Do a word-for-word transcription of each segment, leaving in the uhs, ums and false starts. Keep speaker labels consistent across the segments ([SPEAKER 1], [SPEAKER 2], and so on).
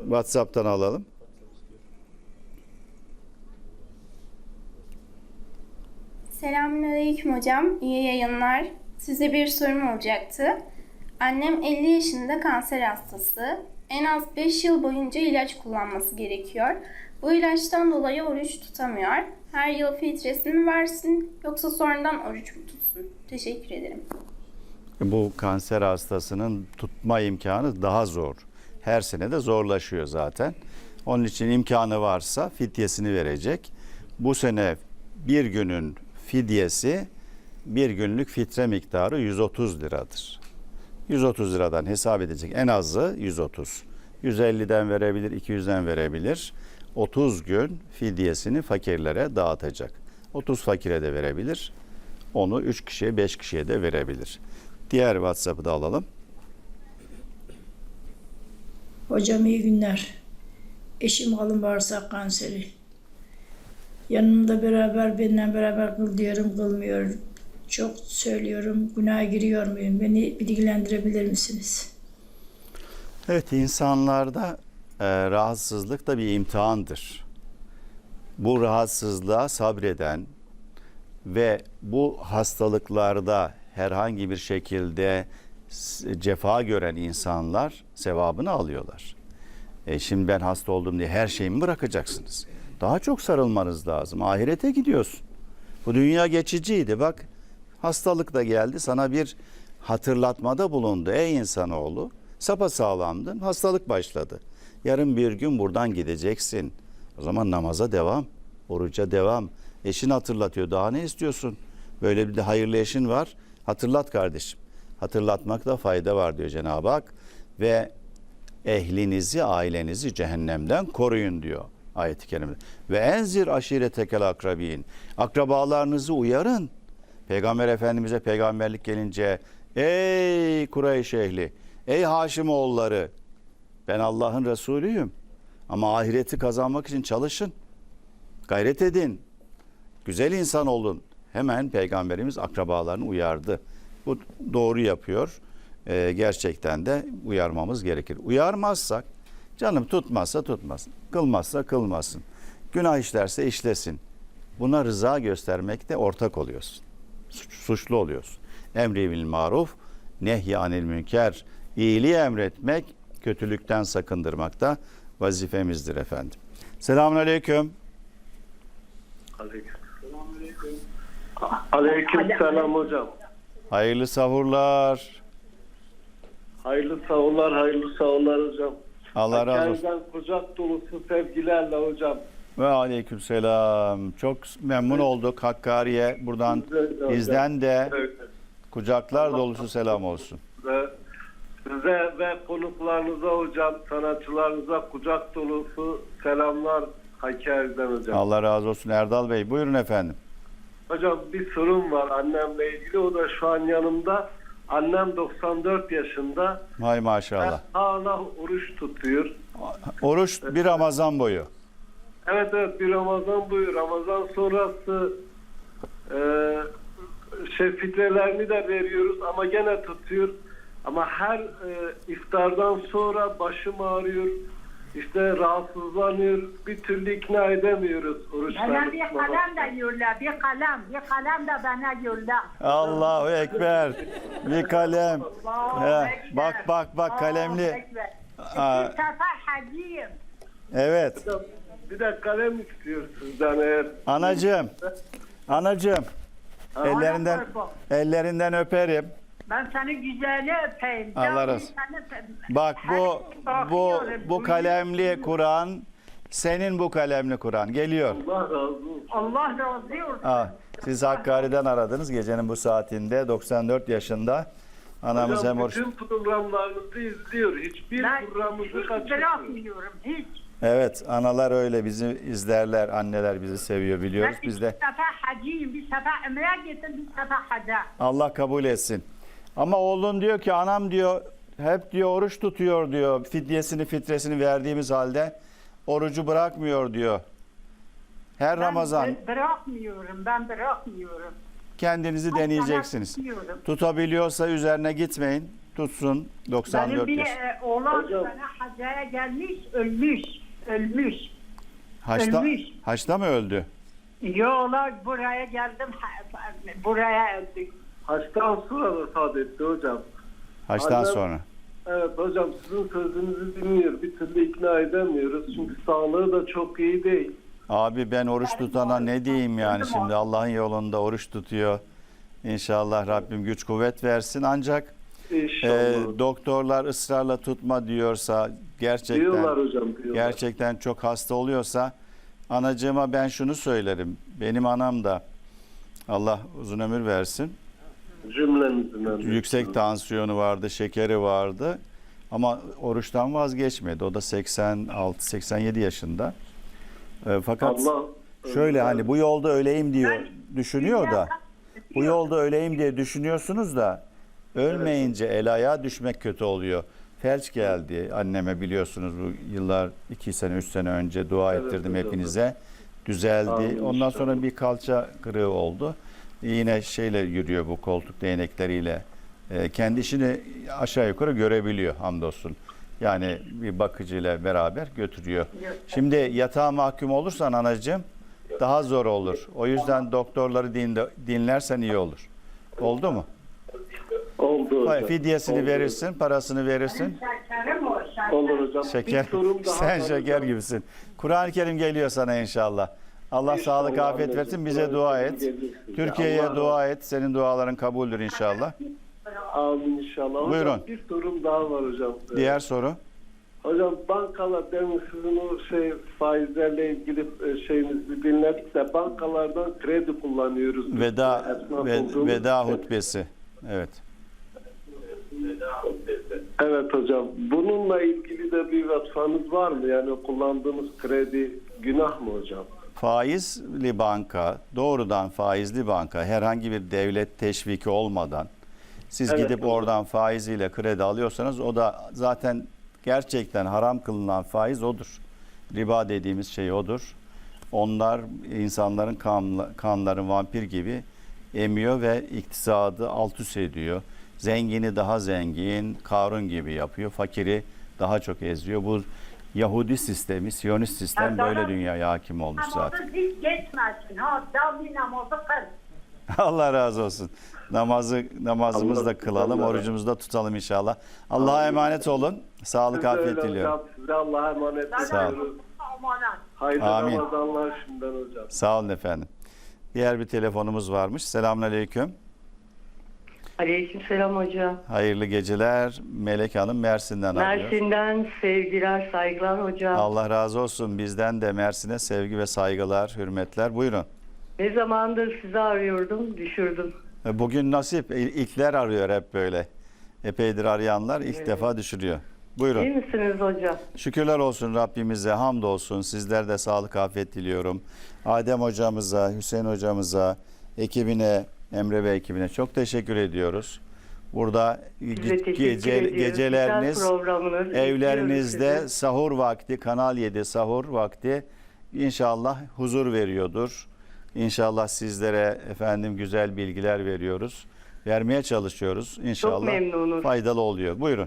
[SPEAKER 1] WhatsApp'tan alalım.
[SPEAKER 2] Selamünaleyküm hocam. İyi yayınlar. Size bir sorum olacaktı. Annem elli yaşında, kanser hastası. En az beş yıl boyunca ilaç kullanması gerekiyor. Bu ilaçtan dolayı oruç tutamıyor. Her yıl filtresini mi versin yoksa sonradan oruç mu tutsun? Teşekkür ederim.
[SPEAKER 1] Bu kanser hastasının tutma imkanı daha zor. Her sene de zorlaşıyor zaten. Onun için imkanı varsa fidyesini verecek. Bu sene bir günün fidyesi bir günlük fitre miktarı yüz otuz liradır. yüz otuz liradan hesap edecek. En azı yüz otuz. yüz elliden verebilir, iki yüzden verebilir. otuz gün fidyesini fakirlere dağıtacak. otuz fakire de verebilir. Onu üç kişiye, beş kişiye de verebilir. Diğer WhatsApp'ı da alalım.
[SPEAKER 3] Hocam iyi günler. Eşim kalın bağırsak kanseri. Yanımda beraber, benimle beraber kıl diyorum, kılmıyor. Çok söylüyorum, günaha giriyor muyum? Beni bilgilendirebilir misiniz?
[SPEAKER 1] Evet, insanlarda e, rahatsızlık da bir imtihandır. Bu rahatsızlığa sabreden ve bu hastalıklarda herhangi bir şekilde cefa gören insanlar sevabını alıyorlar. E şimdi ben hasta oldum diye her şeyimi bırakacaksınız. Daha çok sarılmanız lazım. Ahirete gidiyorsun. Bu dünya geçiciydi. Bak, hastalık da geldi. Sana bir hatırlatmada bulundu. Ey insanoğlu, sapasağlamdın. Hastalık başladı. Yarın bir gün buradan gideceksin. O zaman namaza devam. Oruca devam. Eşin hatırlatıyor. Daha ne istiyorsun? Böyle bir de hayırlı eşin var. Hatırlat kardeşim. Hatırlatmakta fayda var diyor Cenab-ı Hak. Ve ehlinizi, ailenizi cehennemden koruyun diyor ayet-i kerimede. Ve enzir aşiretekel akrabin. Akrabalarınızı uyarın. Peygamber Efendimiz'e peygamberlik gelince ey Kureyş ehli, ey Haşimoğulları, ben Allah'ın Resulüyüm. Ama ahireti kazanmak için çalışın. Gayret edin. Güzel insan olun. Hemen Peygamberimiz akrabalarını uyardı. Bu doğru yapıyor. Ee, gerçekten de uyarmamız gerekir. Uyarmazsak, canım tutmazsa tutmasın, kılmazsa kılmasın, günah işlerse işlesin. Buna rıza göstermekte ortak oluyorsun. Suç, suçlu oluyorsun. Emri bil maruf, nehy anil münker. İyiliği emretmek, kötülükten sakındırmak da vazifemizdir efendim. Selamünaleyküm.
[SPEAKER 4] Aleyküm. Aleyküm selam hocam.
[SPEAKER 1] Hayırlı sahurlar.
[SPEAKER 4] Hayırlı sahurlar, hayırlı sahurlar hocam.
[SPEAKER 1] Allah razı olsun.
[SPEAKER 4] Hakkari'den kucak dolusu sevgilerle hocam.
[SPEAKER 1] Ve aleyküm selam. Çok memnun olduk Hakkari'ye. Buradan bizden de
[SPEAKER 4] Evet.
[SPEAKER 1] kucaklar dolusu selam olsun.
[SPEAKER 4] Ve size ve konuklarınıza hocam, sanatçılarınıza kucak dolusu selamlar Hakkari'den hocam.
[SPEAKER 1] Allah razı olsun Erdal Bey. Buyurun efendim.
[SPEAKER 4] Hocam bir sorun var annemle ilgili. O da şu an yanımda. Annem doksan dört yaşında.
[SPEAKER 1] Hay maşallah.
[SPEAKER 4] Hala oruç tutuyor.
[SPEAKER 1] Oruç bir Ramazan boyu.
[SPEAKER 4] Evet evet bir Ramazan boyu. Ramazan sonrası e, şey fitrelerini de veriyoruz ama gene tutuyor. Ama her e, iftardan sonra başım ağrıyor. İşte rahatsızlanıyor. Bir türlü ikna edemiyoruz oruçları.
[SPEAKER 5] Bana bir kalem de yolla, bir kalem, bir kalem de bana yolla.
[SPEAKER 1] Allahu Ekber. Bir kalem.
[SPEAKER 5] Allahu
[SPEAKER 1] He,
[SPEAKER 5] Ekber.
[SPEAKER 1] bak bak bak
[SPEAKER 5] Allahu
[SPEAKER 1] kalemli.
[SPEAKER 5] Ekber.
[SPEAKER 1] Aa.
[SPEAKER 5] İki sefer hacıyım.
[SPEAKER 1] Evet.
[SPEAKER 4] Bir de kalem istiyor sizden eğer.
[SPEAKER 1] Anacığım. Anacığım. Ellerinden ellerinden öperim.
[SPEAKER 5] Ben seni güzeli öpeyim.
[SPEAKER 1] Allah
[SPEAKER 5] Canım,
[SPEAKER 1] razı olsun.
[SPEAKER 5] seni öpeyim.
[SPEAKER 1] Bak bu
[SPEAKER 5] Her-
[SPEAKER 1] bu
[SPEAKER 5] bakıyorum,
[SPEAKER 1] bu kalemli Kur'an senin bu kalemli Kur'an geliyor.
[SPEAKER 4] Allah razı olsun.
[SPEAKER 5] Allah razı olsun.
[SPEAKER 1] Ha, siz Hakkari'den aradınız gecenin bu saatinde doksan dört yaşında. Anamız hem
[SPEAKER 4] Hocam
[SPEAKER 1] oruç.
[SPEAKER 4] bütün programlarınızı izliyor. Hiçbir
[SPEAKER 5] Ben
[SPEAKER 4] programımızı
[SPEAKER 5] hiç
[SPEAKER 4] kaçırmıyor.
[SPEAKER 5] bırakmıyorum, hiç.
[SPEAKER 1] Evet, analar öyle bizi izlerler, anneler bizi seviyor biliyoruz
[SPEAKER 5] Ben
[SPEAKER 1] biz
[SPEAKER 5] bir
[SPEAKER 1] de.
[SPEAKER 5] sefer hacıyım, bir sefer ömre gittim, bir sefer haca.
[SPEAKER 1] Allah kabul etsin. Ama oğlun diyor ki anam diyor hep diyor oruç tutuyor diyor. Fidyesini fitresini verdiğimiz halde orucu bırakmıyor diyor. Her
[SPEAKER 5] Ben
[SPEAKER 1] Ramazan
[SPEAKER 5] bı- bırakmıyorum, ben bırakmıyorum.
[SPEAKER 1] kendinizi
[SPEAKER 5] Ben
[SPEAKER 1] deneyeceksiniz.
[SPEAKER 5] sana tutuyorum.
[SPEAKER 1] Tutabiliyorsa üzerine gitmeyin. tutsun. doksan
[SPEAKER 5] Benim
[SPEAKER 1] dört
[SPEAKER 5] bir
[SPEAKER 1] yaş.
[SPEAKER 5] e, oğlan
[SPEAKER 4] Hocam.
[SPEAKER 5] sana hacaya gelmiş, ölmüş. Ölmüş.
[SPEAKER 1] Haçta,
[SPEAKER 5] ölmüş.
[SPEAKER 1] haçta mı öldü?
[SPEAKER 5] Yola buraya geldim, ha- buraya öldük.
[SPEAKER 4] Haçtan sonra vefat etti hocam.
[SPEAKER 1] Haçtan
[SPEAKER 4] Annem-
[SPEAKER 1] sonra.
[SPEAKER 4] Evet hocam, sizin sözünüzü dinliyor. Bir türlü ikna edemiyoruz. Çünkü sağlığı da çok iyi değil.
[SPEAKER 1] Abi ben oruç tutana ne diyeyim yani şimdi Allah'ın yolunda oruç tutuyor. İnşallah Rabbim güç kuvvet versin. Ancak e,
[SPEAKER 4] İnşallah.
[SPEAKER 1] doktorlar ısrarla tutma diyorsa gerçekten
[SPEAKER 4] diyorlar hocam, diyorlar.
[SPEAKER 1] gerçekten çok hasta oluyorsa anacığıma ben şunu söylerim. Benim anam da Allah uzun ömür versin.
[SPEAKER 4] Cümlemizin ömrü.
[SPEAKER 1] Yüksek tansiyonu vardı, şekeri vardı. Ama oruçtan vazgeçmedi. O da seksen altı seksen yedi yaşında. E, fakat
[SPEAKER 4] Allah
[SPEAKER 1] şöyle hani bu yolda öleyim diyor, düşünüyor da bu yolda öleyim diye düşünüyorsunuz da ölmeyince el ayağa düşmek kötü oluyor. Felç geldi anneme, biliyorsunuz bu yıllar iki sene üç sene önce dua
[SPEAKER 4] Evet,
[SPEAKER 1] ettirdim
[SPEAKER 4] hocam.
[SPEAKER 1] hepinize. Düzeldi.
[SPEAKER 4] Amin
[SPEAKER 1] Ondan
[SPEAKER 4] inşallah.
[SPEAKER 1] sonra bir kalça kırığı oldu. Yine şeyle yürüyor, bu koltuk değnekleriyle. Ee, kendi işini aşağı yukarı görebiliyor hamdolsun. Yani bir bakıcıyla beraber götürüyor. Şimdi yatağa mahkum olursan anacığım daha zor olur. O yüzden doktorları dinle, dinlersen iyi olur. Oldu mu?
[SPEAKER 4] Oldu hocam.
[SPEAKER 1] Fidyesini
[SPEAKER 4] Oldu.
[SPEAKER 1] verirsin, parasını verirsin.
[SPEAKER 5] Şekerim o, şekerim.
[SPEAKER 4] Olur hocam.
[SPEAKER 1] Şeker,
[SPEAKER 4] Bir sorum daha
[SPEAKER 1] sen
[SPEAKER 4] var
[SPEAKER 1] şeker
[SPEAKER 4] hocam.
[SPEAKER 1] gibisin. Kur'an-ı Kerim geliyor sana inşallah. Allah
[SPEAKER 4] İnşallah
[SPEAKER 1] sağlık, afiyet
[SPEAKER 4] anneciğim.
[SPEAKER 1] versin. Bize
[SPEAKER 4] Kur'an-ı
[SPEAKER 1] dua
[SPEAKER 4] Kerim
[SPEAKER 1] et.
[SPEAKER 4] gelir size.
[SPEAKER 1] Türkiye'ye
[SPEAKER 4] Allah
[SPEAKER 1] dua et. Senin duaların kabuldür inşallah.
[SPEAKER 4] Amin inşallah. Hocam,
[SPEAKER 1] Buyurun.
[SPEAKER 4] bir sorum daha var hocam.
[SPEAKER 1] Diğer soru.
[SPEAKER 4] Hocam bankalar, demin sizin o şey faizlerle ilgili e, şeyinizi dinledik de bankalardan kredi kullanıyoruz.
[SPEAKER 1] Veda
[SPEAKER 4] Esnaf
[SPEAKER 1] ve,
[SPEAKER 4] olduğumuz
[SPEAKER 1] veda
[SPEAKER 4] için.
[SPEAKER 1] hutbesi. Evet.
[SPEAKER 4] Evet hocam. Bununla ilgili de bir vatfanız var mı? Yani kullandığımız kredi günah mı hocam?
[SPEAKER 1] Faizli banka, doğrudan faizli banka, herhangi bir devlet teşviki olmadan siz
[SPEAKER 4] Evet,
[SPEAKER 1] gidip
[SPEAKER 4] hocam.
[SPEAKER 1] oradan faiziyle kredi alıyorsanız o da zaten gerçekten haram kılınan faiz odur. Riba dediğimiz şey odur. Onlar insanların kan, kanların vampir gibi emiyor ve iktisadı alt üst ediyor. Zengini daha zengin, Karun gibi yapıyor. Fakiri daha çok eziyor. Bu Yahudi sistemi, Siyonist sistem böyle dünyaya hakim olmuş zaten.
[SPEAKER 5] Namazı hiç geçmesin. Ha, davli namazı kıl.
[SPEAKER 1] Allah razı olsun. Namazı namazımızı da
[SPEAKER 4] Allah-
[SPEAKER 1] kılalım,
[SPEAKER 4] Allah-
[SPEAKER 1] orucumuzu da tutalım inşallah. Allah'a emanet olun. Sağlık,
[SPEAKER 4] Siz de
[SPEAKER 1] afiyet
[SPEAKER 4] öyle
[SPEAKER 1] diliyorum.
[SPEAKER 4] hocam. Size Allah'a emanet
[SPEAKER 1] Sağ olun.
[SPEAKER 4] ediyoruz.
[SPEAKER 5] Amanat.
[SPEAKER 4] Hayırlı
[SPEAKER 1] Amin.
[SPEAKER 4] Ramazanlar şimdiden hocam.
[SPEAKER 1] Sağ olun efendim. Diğer bir telefonumuz varmış. Selamünaleyküm.
[SPEAKER 6] Aleykümselam hocam.
[SPEAKER 1] Hayırlı geceler. Melek Hanım Mersin'den arıyor.
[SPEAKER 6] Mersin'den sevgiler, saygılar hocam.
[SPEAKER 1] Allah razı olsun. Bizden de Mersin'e sevgi ve saygılar, hürmetler. Buyurun.
[SPEAKER 6] Ne zamandır sizi arıyordum, düşürdüm.
[SPEAKER 1] Bugün nasip. İl- İlkler arıyor hep böyle. Epeydir arayanlar ilk defa düşürüyor. Buyurun.
[SPEAKER 6] İyi misiniz hocam?
[SPEAKER 1] Şükürler olsun Rabbimize, hamdolsun. Sizler de sağlık, afiyet diliyorum. Adem hocamıza, Hüseyin hocamıza, ekibine, Emre ve ekibine çok teşekkür ediyoruz. Burada
[SPEAKER 6] Size
[SPEAKER 1] ge-
[SPEAKER 6] teşekkür
[SPEAKER 1] gece,
[SPEAKER 6] ediyoruz.
[SPEAKER 1] geceleriniz,
[SPEAKER 6] Güzel programınız.
[SPEAKER 1] evlerinizde
[SPEAKER 6] Bekliyoruz sizi.
[SPEAKER 1] sahur vakti, Kanal yedi sahur vakti inşallah huzur veriyordur. İnşallah sizlere efendim güzel bilgiler veriyoruz. Vermeye çalışıyoruz. İnşallah
[SPEAKER 6] memnunuz.
[SPEAKER 1] faydalı oluyor. Buyurun.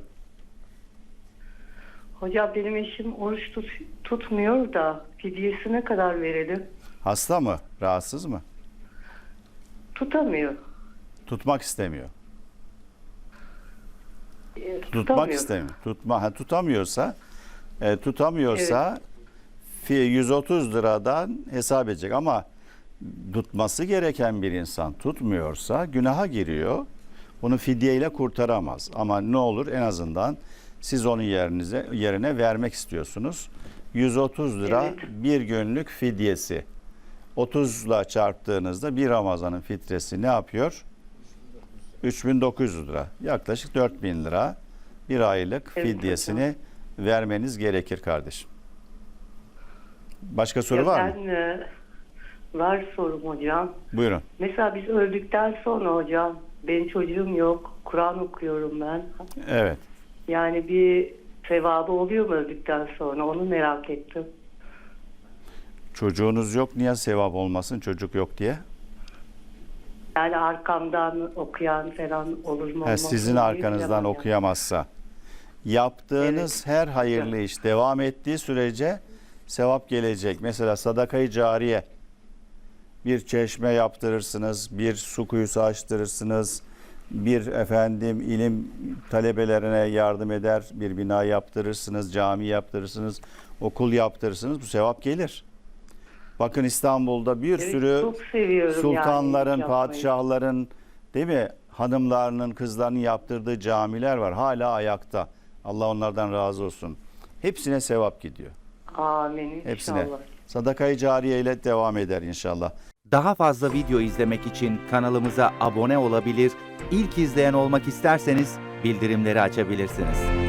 [SPEAKER 6] Hocam benim eşim oruç tut, tutmuyor da fidyesi ne kadar verelim?
[SPEAKER 1] Hasta mı? Rahatsız mı?
[SPEAKER 6] Tutamıyor.
[SPEAKER 1] Tutmak istemiyor.
[SPEAKER 6] Ee,
[SPEAKER 1] Tutmak
[SPEAKER 6] tutamıyor.
[SPEAKER 1] istemiyor. Tutma, ha, tutamıyorsa e, tutamıyorsa fi- yüz otuz liradan hesap edecek ama tutması gereken bir insan tutmuyorsa günaha giriyor. Bunu fidyeyle kurtaramaz. Ama ne olur en azından siz onun yerinize yerine vermek istiyorsunuz. yüz otuz lira
[SPEAKER 6] Evet.
[SPEAKER 1] bir günlük fidyesi. otuzla çarptığınızda bir Ramazan'ın fitresi ne yapıyor? üç bin dokuz yüz lira. Yaklaşık dört bin lira bir aylık
[SPEAKER 6] Evet,
[SPEAKER 1] fidyesini vermeniz gerekir kardeşim. Başka soru
[SPEAKER 6] Ya
[SPEAKER 1] var mı?
[SPEAKER 6] ben, e, var sorum hocam.
[SPEAKER 1] Buyurun.
[SPEAKER 6] Mesela biz öldükten sonra hocam, benim çocuğum yok, Kur'an okuyorum ben.
[SPEAKER 1] Evet.
[SPEAKER 6] Yani bir sevabı oluyor mu öldükten sonra, onu merak ettim.
[SPEAKER 1] Çocuğunuz yok, niye sevap olmasın çocuk yok diye?
[SPEAKER 6] Yani arkamdan okuyan falan olur mu?
[SPEAKER 1] Ha,
[SPEAKER 6] olmaz mı
[SPEAKER 1] sizin
[SPEAKER 6] diye
[SPEAKER 1] arkanızdan
[SPEAKER 6] bilemem.
[SPEAKER 1] okuyamazsa. Yaptığınız her hayırlı iş devam ettiği sürece sevap gelecek. Mesela sadakayı cariye. Bir çeşme yaptırırsınız, bir su kuyusu açtırırsınız, bir efendim ilim talebelerine yardım eder, bir bina yaptırırsınız, cami yaptırırsınız, okul yaptırırsınız. Bu sevap gelir. Bakın İstanbul'da bir
[SPEAKER 6] Evet,
[SPEAKER 1] sürü
[SPEAKER 6] çok seviyorum
[SPEAKER 1] sultanların,
[SPEAKER 6] yani yapmayı.
[SPEAKER 1] padişahların, değil mi? Hanımlarının, kızlarının yaptırdığı camiler var. Hala ayakta. Allah onlardan razı olsun. Hepsine sevap gidiyor.
[SPEAKER 6] Amin
[SPEAKER 1] Hepsine.
[SPEAKER 6] inşallah.
[SPEAKER 1] Sadakayı cariye ile devam eder inşallah.
[SPEAKER 7] Daha fazla video izlemek için kanalımıza abone olabilir, ilk izleyen olmak isterseniz bildirimleri açabilirsiniz.